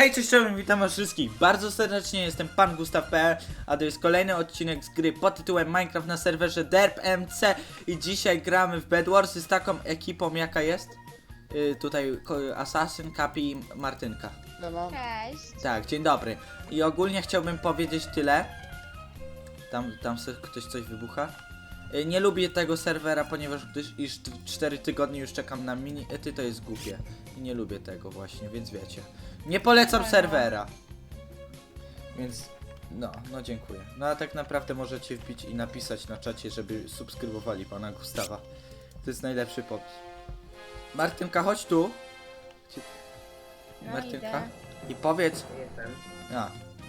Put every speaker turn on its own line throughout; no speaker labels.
Hej, cześć, witam was wszystkich bardzo serdecznie, jestem pan Gustaw.pl, a to jest kolejny odcinek z gry pod tytułem Minecraft na serwerze DerpMC i dzisiaj gramy w Bed Warsy z taką ekipą, jaka jest? Tutaj Assassin, Kapi i Martynka.
Cześć.
Tak, dzień dobry. I ogólnie chciałbym powiedzieć tyle. Tam ktoś coś wybucha. Nie lubię tego serwera, ponieważ już 4 tygodnie już czekam na mini-ety, to jest głupie. I nie lubię tego właśnie, więc wiecie. Nie polecam serwera. Więc no dziękuję. No a tak naprawdę możecie wbić i napisać na czacie, żeby subskrybowali pana Gustawa. To jest najlepszy pomysł. Martynka, chodź tu.
No,
Martynka.
idę.
I powiedz.
Jestem.
A.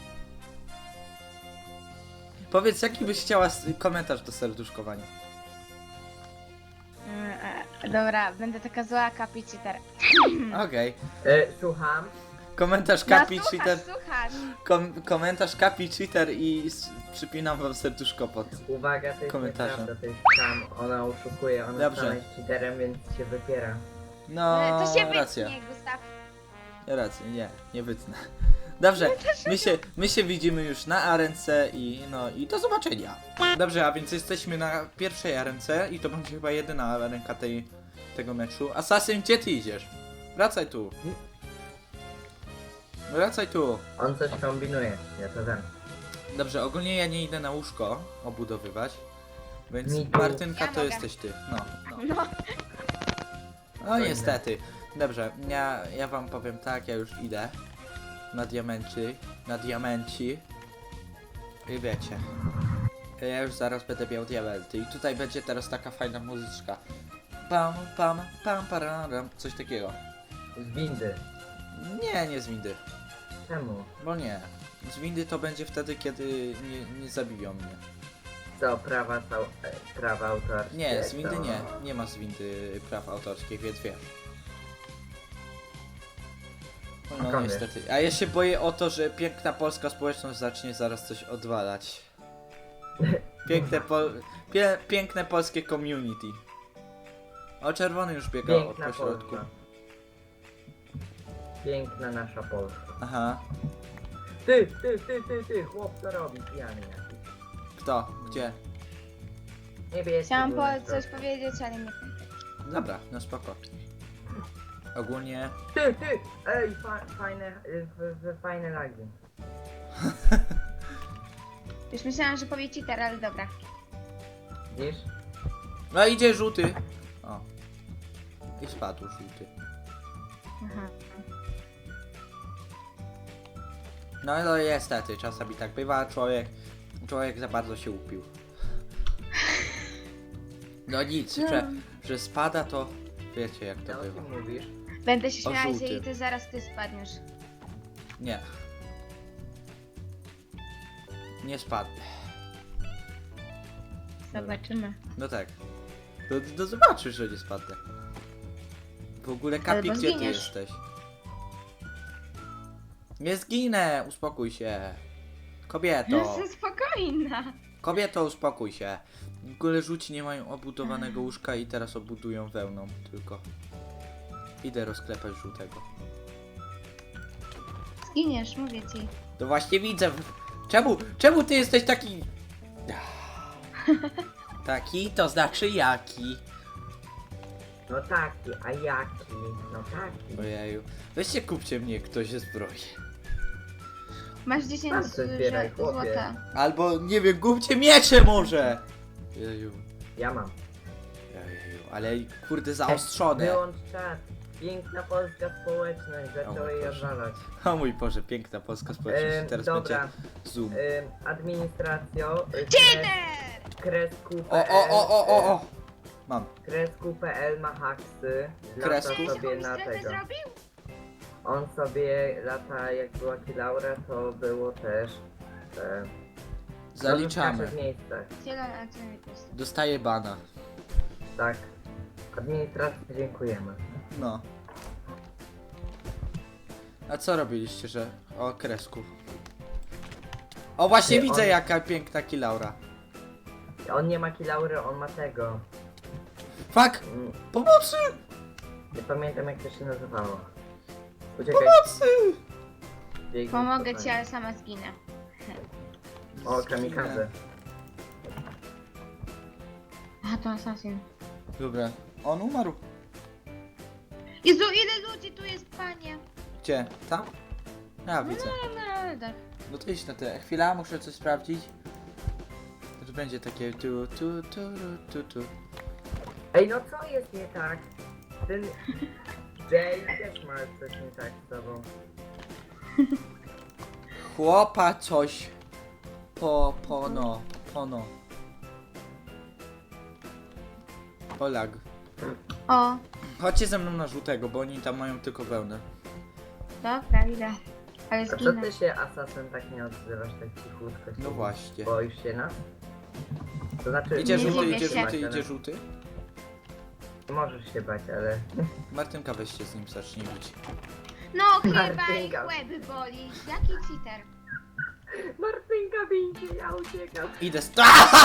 Powiedz, jaki byś chciała komentarz do serduszkowania.
Dobra, będę taka zła kapiciter.
Okej.
Słucham.
Komentarz
No
Kapi
słuchasz,
Cheater.
słuchasz.
Komentarz Kapi Cheater i przypinam wam serduszko pod.
Uwaga, to jest
Komentarzem.
nieprawda, to jest tam. Ona oszukuje, ona
Dobrze.
sama jest cheaterem, więc się wypiera.
No,
To się
racja.
wytnie, Gustaw.
Racja, nie wytnę. Dobrze, my się widzimy już na arence i do zobaczenia. Dobrze, a więc jesteśmy na pierwszej arence i to będzie chyba jedyna arenka tego meczu. Assassin, gdzie ty idziesz? Wracaj tu. Wracaj tu.
On coś kombinuje, ja to wiem.
Dobrze, ogólnie ja nie idę na łóżko obudowywać. Więc
Mi tu.
Martynka
Ja
to
mogę.
jesteś ty. No.
No,
No niestety. Dobrze, ja wam powiem tak, ja już idę. Na diamenci. I wiecie. Ja już zaraz będę miał diamenty. I tutaj będzie teraz taka fajna muzyczka. Pam, pam, pam, pararam. Coś takiego.
Z windy.
Nie z windy.
Czemu?
Bo nie. Z windy to będzie wtedy, kiedy nie zabiją mnie.
Co, prawa autorskie?
Nie, z windy
to...
nie. Nie ma z windy praw autorskich, więc wiesz. No
Okej.
niestety. A ja się boję o to, że piękna polska społeczność zacznie zaraz coś odwalać. Piękne polskie community. O, czerwony już biega od
Piękna
pośrodku.
Polska. Piękna nasza Polska.
Aha.
Ty, chłop co robi, pijany jakiś.
Kto? Gdzie?
Niebieski
chciałam
był na
coś
środku.
powiedzieć, ale nie.
Dobra, no spoko. Ogólnie...
Ty, ej, fajne lagi.
Już myślałam, że powie cheater, ale dobra.
Widzisz?
No idzie żółty. O. I spadł żółty.
Aha.
No niestety, czasami tak bywa, człowiek za bardzo się upił. No nic, że spada to wiecie jak to
Co
bywa.
ty mówisz?
Będę się
O,
śmiała się
żółty.
i ty zaraz ty spadniesz.
Nie. Nie spadnę.
Zobaczymy.
No tak. To zobaczysz, że nie spadnę. W ogóle Kapi,
Albo
gdzie ty
zginiesz.
jesteś? Nie zginę, uspokój się. Kobieto.
Jestem spokojna.
Kobieto, uspokój się. W ogóle żółci nie mają obudowanego łóżka i teraz obudują wełną tylko. Idę rozklepać żółtego.
Zginiesz, mówię ci.
To właśnie widzę. Czemu ty jesteś taki... Taki to znaczy jaki.
No taki, a jaki? No taki.
Ojeju. Weźcie kupcie mnie ktoś ze zbroi.
Masz 10
Sam se zbieraj, chłopie.
złota.
Albo nie wiem, kupcie miecze może. Jeju.
Ja mam.
Jeju. Ale kurde zaostrzone.
Wyłącz czat. Piękna polska społeczność, zaczęła jej
Boże.
odwalać.
O mój Boże, piękna polska społeczność. Teraz
Dobra,
będzie zoom.
administracją
Cheater!
kresku.pl
O. Mam.
Kresku.pl ma haksy. Lata
Kresku?
sobie na
Strefę
tego.
zrobił?
On sobie lata, jak była Kilaura, to było też
Zaliczamy.
w miejscach.
Zielona, a co mi pusto?
Dostaję bana.
Tak. Administracji dziękujemy.
No. A co robiliście, że... O, kresku. O, właśnie
Nie,
widzę
on-
jaka piękna kilaura.
On nie ma Kilaury, on ma tego.
Fuck!
Mm,
Pomocy!
Nie pamiętam jak to się nazywało. Uciekaj.
Pomocy!
Biegnie
Pomogę
spokojnie.
ci, ale sama zginę.
O, kamikadze.
A, to assassin.
Dobra. On umarł.
Jezu, ile ludzi tu jest, panie?
Gdzie? Tam? Ja widzę.
No, tak.
No to idź na tyle. Chwila, muszę coś sprawdzić. To będzie takie tu.
Ej, no co jest nie tak? Ten Jay też ma coś nie tak z tobą.
Chłopa coś. Pono. Olag.
O,
Chodźcie ze mną na żółtego, bo oni tam mają tylko wełnę.
dobra, idę. Ale
A co
zginę.
ty się, Assassin, tak nie odzywasz tak cichutko?
No właśnie.
Boisz się nas? To znaczy,
Idzie
Nie
żółty,
dziwię
idzie
się.
żółty, idzie żółty.
Możesz się bać, ale...
Martynka, weź się z nim zacznie bić.
No chyba ich
Martynka.
łeby boli. Jaki cheater?
Martynka bijcie, ja uciekam.
Idę z...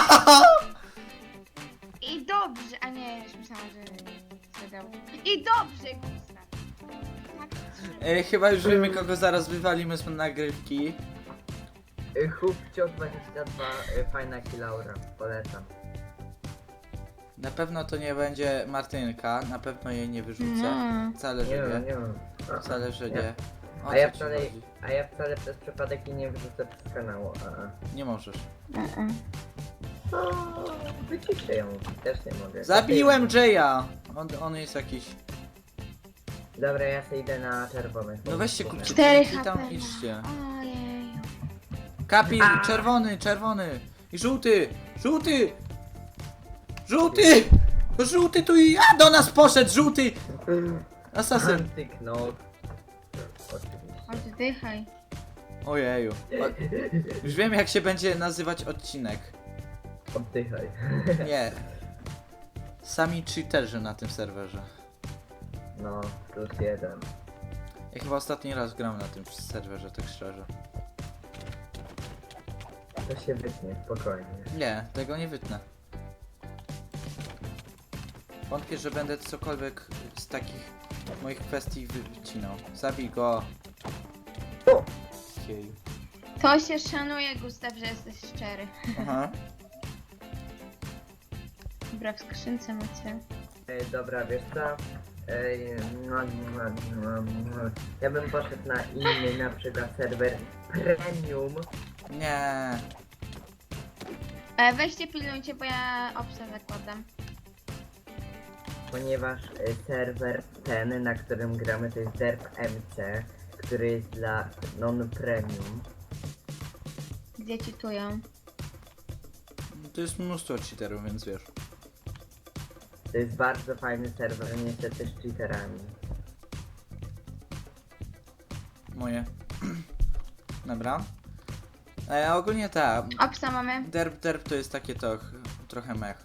I dobrze, a nie, już myślałam, że zadał. I dobrze, Gustaw. Tak, trzeba.
Chyba już wiemy, kogo zaraz wywalimy z nagrywki.
Chłopcio 22, fajna kilaura, polecam.
Na pewno to nie będzie Martynka, na pewno jej nie wyrzucę.
No.
Wcale,
Nie
że
wiem,
nie.
nie wiem.
Wcale, że nie. O
A ja
co ci
wcale,
chodzi?
przez przypadek i nie wyrzucę z kanału,
Nie możesz.
No, wyciszę ją, też nie mogę.
Zabiłem Jaya! On jest jakiś...
Dobra, ja sobie idę na czerwony.
No weźcie kupcie
4
i
HP.
tam idźcie.
Ojej.
Kapi, czerwony! I żółty! Żółty tu i... A, do nas poszedł, żółty! Asasyn.
Antyknął. Oczywiście.
Oddychaj.
Ojeju. Już wiem, jak się będzie nazywać odcinek.
Oddychaj.
Nie. Sami cheaterzy na tym serwerze.
No, +1.
Ja chyba ostatni raz gram na tym serwerze, tak szczerze.
To się wytnie, spokojnie.
Nie, tego nie wytnę. Wątpię, że będę cokolwiek z takich moich kwestii wycinał. Zabij go.
O!
Jeju.
To się szanuje, Gustaw, że jesteś szczery.
Aha.
Dobra, w skrzynce macie.
Dobra, wiesz co? Ja bym poszedł na inny, na przykład serwer premium.
Nie.
Weźcie, pilnujcie, bo ja obsa zakładam.
Ponieważ serwer ten, na którym gramy, to jest Derp MC, który jest dla non-premium.
Gdzie czytują?
To jest mnóstwo cheaterów, więc wiesz.
To jest bardzo fajny serwer, niestety z cheaterami.
Moje. Dobra. Ogólnie tak.
Obsa mamy.
Derp to jest takie to trochę mech.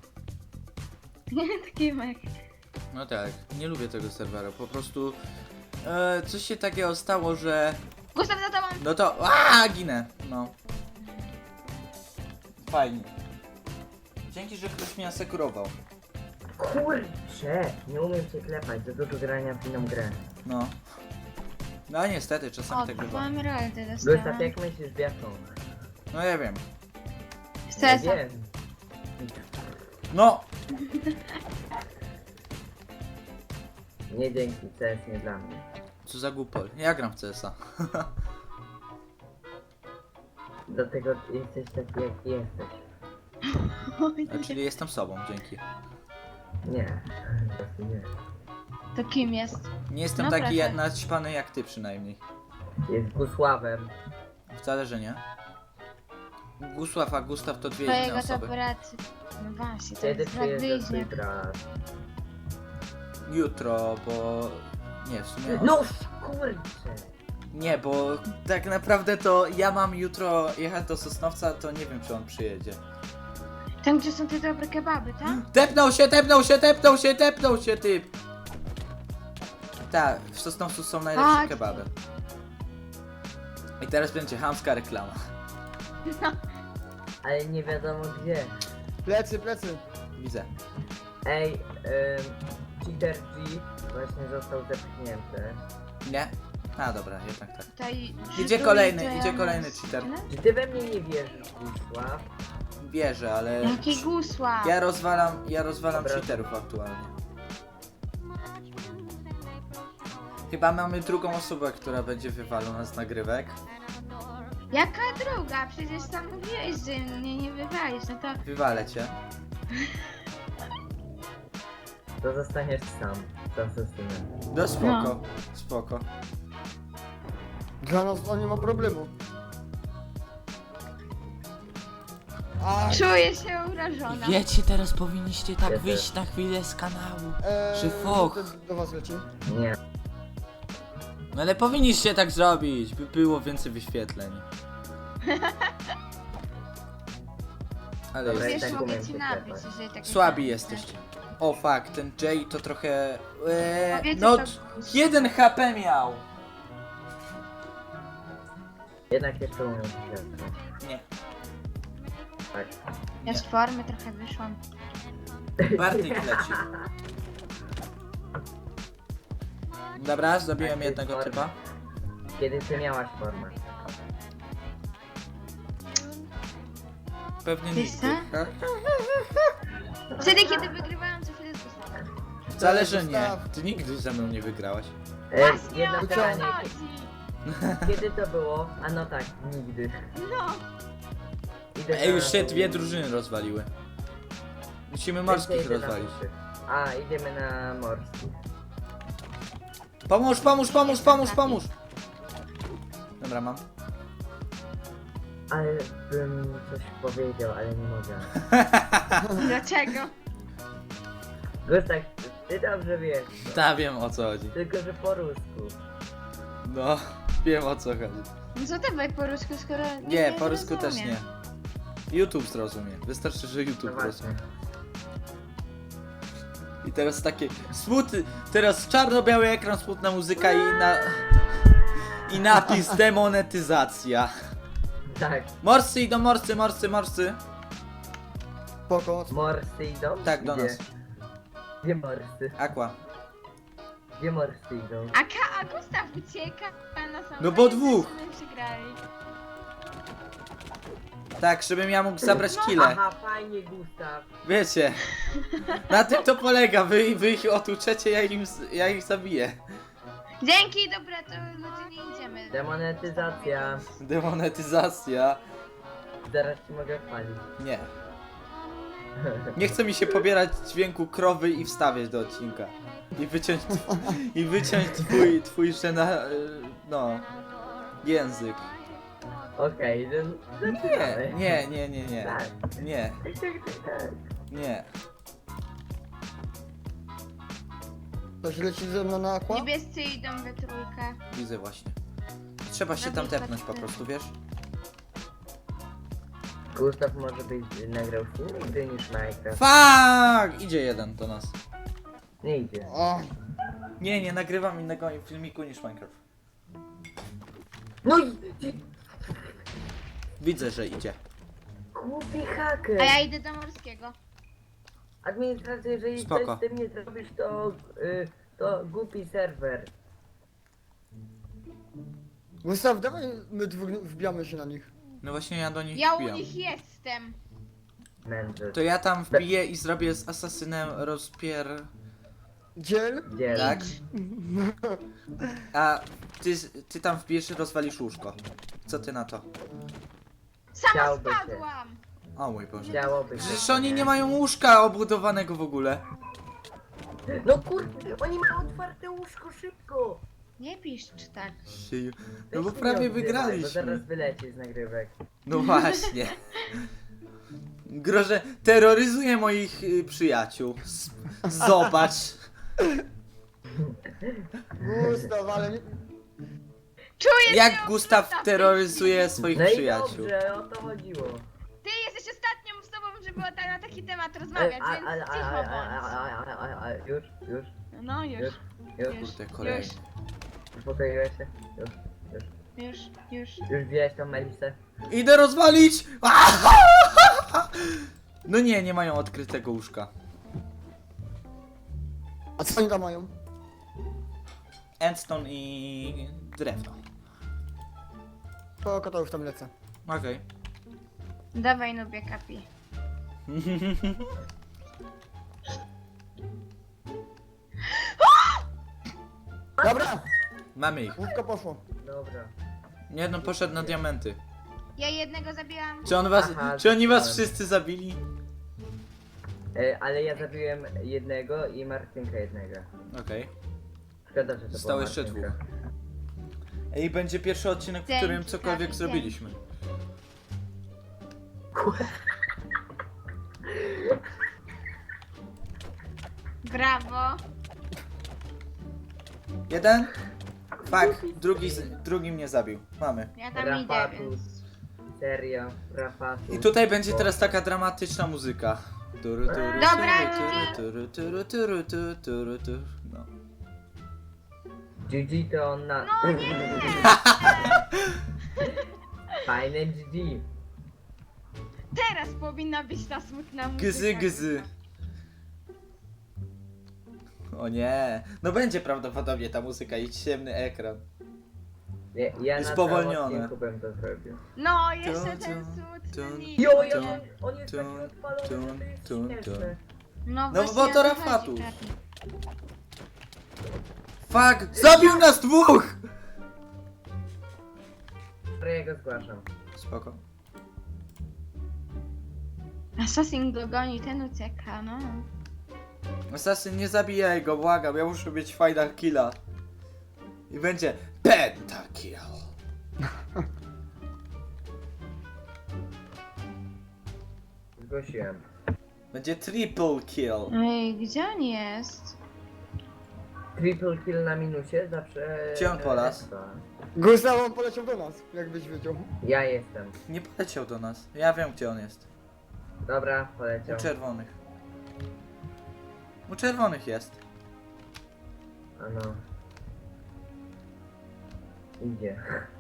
Taki mek.
No tak, nie lubię tego serwera, po prostu coś się takiego stało, że
Gustaw, za tobą!
no to ginę, no. Fajnie. Dzięki, że ktoś mnie asekurował.
Kurcze! Nie umiem się klepać, za dużo grania w inną grę.
No. No niestety, czasami
O,
tak bywa.
mam rolę
Gustaw,
dostałam.
jak myślisz, Biatą?
No ja wiem.
Ja
Cesa.
wiem.
No!
Nie dzięki, CS nie dla mnie.
Co za głupol. Ja gram w CS-a.
Dlatego jesteś taki, jaki jesteś.
Czyli jestem sobą, dzięki.
Nie, to nie.
To kim jest?
Nie jestem
No
taki
proszę.
naćpany jak ty przynajmniej.
Jest Gusławem.
Wcale, że nie. Gusław, a Gustaw to dwie inne
Twojego to
osoby.
brat. No właśnie, to
Kiedy
jest brat
przyjeżdża twój
bliźniak.
brat?
Jutro, bo... Nie, w sumie...
No kurczę!
Nie, bo tak naprawdę to ja mam jutro jechać do Sosnowca, to nie wiem, czy on przyjedzie.
Tam, gdzie są te dobre kebaby, tak?
Tepnął się, typ! Tak, w Sosnowcu są najlepsze
Tak.
kebaby. I teraz będzie chamska reklama.
Ale nie wiadomo gdzie.
Plecy.
Widzę.
Ej, Cheater G właśnie został zepchnięty.
Nie? A dobra, jednak tak.
Tutaj
Idzie
rzutuję,
kolejny,
to ja
idzie
mam
kolejny cheater.
tyle?
Czy ty we mnie nie wierzysz, Gusław?
Bierze, ale...
Jaki gusła?
Ja rozwalam
Dobra.
cheaterów aktualnie. Chyba mamy drugą osobę, która będzie wywalona z nagrywek.
Jaka druga? Przecież sam mówiłeś, że mnie nie wywalisz, no to...
Wywalę cię.
To zostaniesz sam z asesynem.
No spoko, spoko.
Dla nas to nie ma problemu. A,
Czuję się urażona.
Wiecie, teraz powinniście tak
Ja
wyjść na chwilę z kanału.
e,
Czy foch?
to do was leci.
Nie.
No ale powinniście tak zrobić, by było więcej wyświetleń. Ale
Dobra,
jest...
Wiesz,
tak
mogę
umiem
ci
się
nabić,
klepać.
jeżeli tak
Słabi jesteście. O fuck, ten Jay to trochę...
Powiedzcie
no,
to-
1 HP miał!
Jednak jeszcze umiem się klepać.
Nie.
Tak.
Ja z formy trochę wyszłam.
Bartek leci. Dobra, zabiłem
Tak,
jednego
jest
typa.
Kiedy ty miałaś formę?
Pewnie
Wiesz
nigdy.
Wtedy, kiedy wygrywałam, co chwilę z Gustawem.
Zależy nie.
Gustaw.
Ty nigdy ze mną nie wygrałaś.
Właśnie
Jedno
o to
pytanie.
chodzi.
Kiedy to było? A no tak, nigdy.
No.
Idę
Ej, już
na-
się 2 drużyny rozwaliły. Musimy morskich
Idę na
rozwalić.
morskich. A, idziemy na morskich.
Pomóż, pomóż, pomóż, pomóż, pomóż! Dobra, mam.
Ale bym coś powiedział, ale nie mogę.
Dlaczego?
Gustaw, ty dobrze wiesz.
Ta, wiem o co chodzi.
Tylko, że po rusku.
No, wiem o co chodzi.
No co dawaj po rusku, skoro...
Nie, po rusku też
zrozumie.
nie. YouTube zrozumie. Wystarczy, że
No
YouTube
właśnie.
zrozumie. I teraz takie smutny, teraz czarno-biały ekran, smutna muzyka i napis demonetyzacja.
Tak,
Morscy idą, morscy, morscy, morscy.
Spoko.
morscy idą?
Tak, do
Gdzie?
nas.
Gdzie morscy?
Aqua.
Gdzie morscy idą?
A Gustaw ucieka na sam
No bo
koniec,
dwóch.
żeśmy przegrali.
Tak, żebym ja mógł zabrać kile.
Aha, fajnie, Gustaw.
Wiecie. Na tym to polega, wy ich otuczecie, ja ich zabiję.
Dzięki, dobra, to ludzie nie idziemy.
Demonetyzacja.
Demonetyzacja.
Zaraz ci mogę chwalić.
Nie. Nie chce mi się pobierać dźwięku krowy i wstawiać do odcinka. I wyciąć twój no, język.
Okej,
Nie.
Tak.
Nie. Nie.
Ktoś leci ze mną na aqua?
Niebiescy idą we trójkę.
Widzę właśnie. Trzeba się tam tepnąć po prostu, wiesz?
Gustaw może być nagrał film nigdy niż Minecraft.
Fuck! Idzie jeden do nas.
Nie idzie.
O,
Nie nagrywam innego filmiku niż Minecraft.
No i
Widzę, że idzie.
głupi haker.
A ja idę do morskiego.
Administracja, jeżeli
Spoko.
coś z tym nie zrobisz, to głupi serwer.
Gustaw, dawaj my dwóch wbijamy się na nich.
No właśnie ja do nich
Ja u
wbijam.
nich jestem.
Mędrzec.
To ja tam wbiję i zrobię z asasynem
Dziel?
Gdzie?
Tak? A ty tam wbijesz i rozwalisz łóżko. Co ty na to?
Sama
Chciałby się.
spadłam.
O mój Boże.
Chciałoby się.
Przecież oni nie mają łóżka obudowanego w ogóle.
No kurde, oni mają otwarte łóżko szybko.
Nie piszcz tak.
Sieju. No
Weź
bo
się
prawie
nie odzywaj, Bo zaraz
wygraliśmy.
wyleci z nagrywek.
No właśnie. Groże terroryzuje moich przyjaciół. Zobacz.
Gustaw, ale nie...
Czuję
Jak
się
Gustaw
okruta w tej
terroryzuje swoich
No i
przyjaciół.
dobrze, o to chodziło.
chwili. Ty jesteś ostatnią osobą, żeby na taki temat rozmawiać, więc cicho bądź.
Już,
No już,
już.
Kurde, kolejny.
Uspokoiłeś się?
już.
Już wziąłeś tą Melisę?
Idę rozwalić! No nie mają odkrytego łóżka.
A co oni tam mają?
Endstone i drewno.
Po kota już tam lecę.
Okej.
Dawaj, nubie kapi.
Dobra,
Mamy ich.
łówka poszło.
Dobra.
Nie no, poszedł na diamenty.
Ja jednego zabiłam.
Aha,
Czy oni was
tak.
wszyscy zabili?
Ale ja zabiłem jednego i Martynka jednego.
Okej.
Szkoda, że to
Zostało
była
jeszcze
Martynka.
dwóch. I będzie pierwszy odcinek, w
Dzięki,
którym cokolwiek
Kapi,
zrobiliśmy.
Brawo.
Jeden? Fuck, drugi mnie zabił. Mamy.
Ja tam idę,
Rafatus.
więc...
Serio, Rafatus.
I tutaj będzie teraz taka dramatyczna muzyka. Turu, turu,
Dobra,
turu, turu, turu, turu, turu, turu. No.
GG to on na...
No nie!
Fajne GG.
Teraz powinna być ta smutna muzyka.
Gzy, gzy. O nie. No będzie prawdopodobnie ta muzyka i ciemny ekran.
Ja
Jest
na
spowolnione.
całym odcinku bym to zrobił.
No, jeszcze
Tun,
ten
tun,
smutny
tun,
mit.
Jo,
Tun,
on jest taki
tun,
odpalony,
tun,
że to jest
tun,
śmieszne.
No,
No
właśnie
bo
o
to
chodzi,
Rafatus.
Kapi.
Fuck! Zabił nas dwóch!
Dobra, ja go zgłaszam.
Spoko.
Assassin go goni, ten ucieka, no.
Assassin, nie zabijaj go, błagam, ja muszę mieć fajna killa. I będzie pentakill.
Zgłosiłem.
Będzie triple kill.
Ej, gdzie on jest?
Triple kill na minusie zawsze...
Gdzie on polas?
expa.
Gustaw, on poleciał do nas, jakbyś wiedział.
Ja jestem.
Nie poleciał do nas. Ja wiem, gdzie on jest.
Dobra, poleciał.
U czerwonych. U czerwonych jest.
Ano. Idzie.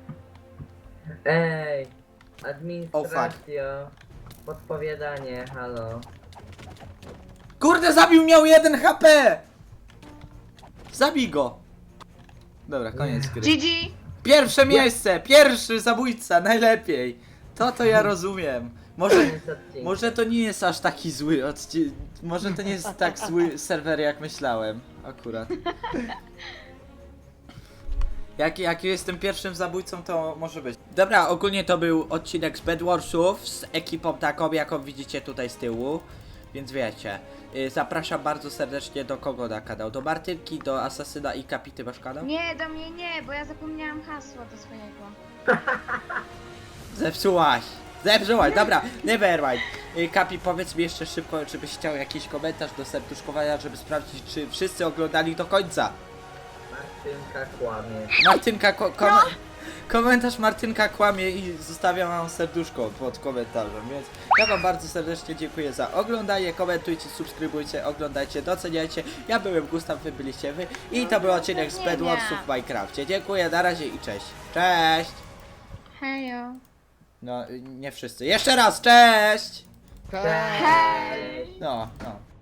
Ej! Administracja. Podpowiadanie, halo.
Kurde, zabił, miał 1 HP! Zabij go! Dobra, koniec gry.
GG!
Pierwsze miejsce! Pierwszy zabójca, najlepiej! To ja rozumiem.
Koniec odcinka.
Może to nie jest aż taki zły odcinek. Może to nie jest tak zły serwer, jak myślałem. Akurat. Jak jestem pierwszym zabójcą, to może być. Dobra, ogólnie to był odcinek z Bedwarsów z ekipą taką, jaką widzicie tutaj z tyłu. Więc wiecie. Zapraszam bardzo serdecznie do kogo na kanał? Do Martynki, do Asasyna i Kapity masz kanał?
Nie, do mnie nie, bo ja zapomniałam hasła do swojego.
Zepsułaś! Zepsułaś, dobra, nevermind. Kapi, powiedz mi jeszcze szybko, czy byś chciał jakiś komentarz do serduszkowania, żeby sprawdzić, czy wszyscy oglądali do końca.
Martynka kłamie.
Martynka, komentarz Martynka kłamie i zostawiam wam serduszko pod komentarzem, więc ja wam bardzo serdecznie dziękuję za oglądanie, komentujcie, subskrybujcie, oglądajcie, doceniajcie. Ja byłem Gustaw, wy byliście wy i to był odcinek z Bedwarsów w Minecrafcie. Dziękuję, na razie i cześć. Cześć!
Hejo.
No, nie wszyscy. Jeszcze raz, cześć!
Tak.
Cześć!
No, no.